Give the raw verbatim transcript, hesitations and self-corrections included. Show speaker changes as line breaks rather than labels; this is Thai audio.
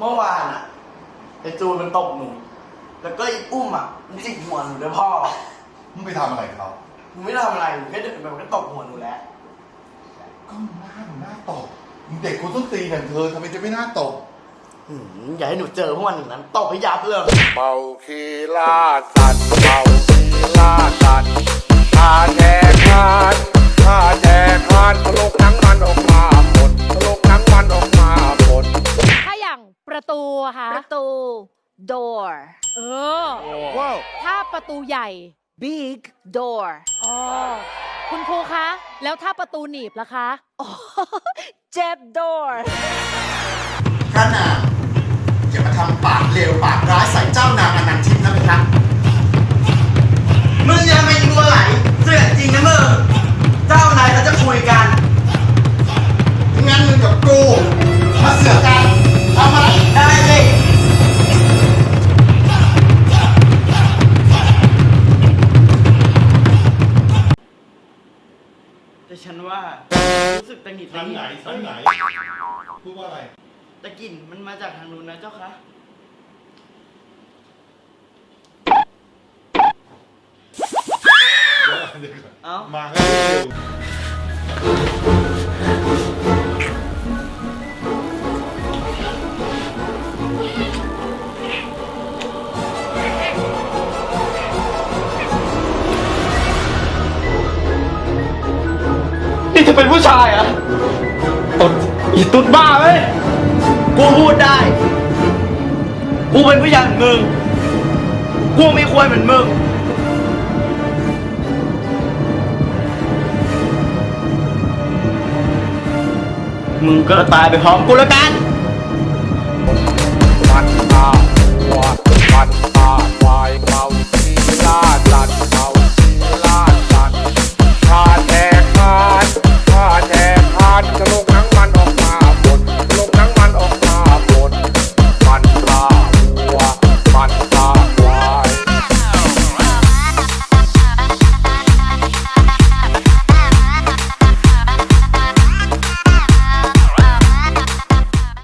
มื่อวานอ่ะไอ้จูนมันตบหนูแล้วก็ไอ้อุ้มอ่ะมันจิกหัวหนูด้วยพ่อ
มึงไปทำอะไรเขา
หนูไม่ทำอะไรหนูแค่เดินไปมันก็ตบหัวหนูแล้ว
ก็มึงหน้าหนูหน้าตบมึงเด็กคนต้นตีอย่างเธอทำไมจะไม่หน้าตบ
อย่าให้หนูเจอพวกมันอย่างนั้นตบให้ยับเลย
เมาคีล่าสัตว์เมาคีล่าสัตว์ข้าแจกทานข้าแจกทานทะลกหนังมันออกมาหมดทะลกหนังมันออกมาหมด
ถ้าอย่างประตูค่ะ
ประตู door
เออว้าวถ้าประตูใหญ่
big door
อ๋อคุณครูคะแล้วถ้าประตูหนีบล่ะคะ
อ๋อ jet door
พระนางอย่ามาทำปากเลวปากร้ายใส่เจ้านางอนันทิพย์นะเพคะ
มึงยังไม่รู้อะไรเสื่อจริงนะมึงเจ้านายเขาจะคุยกัน
งั้นมึงกับกูมาเสือกกันเอาไหม
ได้สิแต่ฉันว่ารู้สึกตังหงิด
ทางไหนทางไหนพูดว่าอะไร
ตะกลิ่นมันมาจากทางนู้นนะเจ้าคะเอ้า
มาให้เร็ว
นี่จะเป็นผู้ชายเหรอตดอีตุ๊ดบ้าไหมกูพูดได้กูเป็นผู้ชายเหมือนมึงกูไม่ควรเหมือนมึงมึงก็ตายไปพร้อมกูแล้วกัน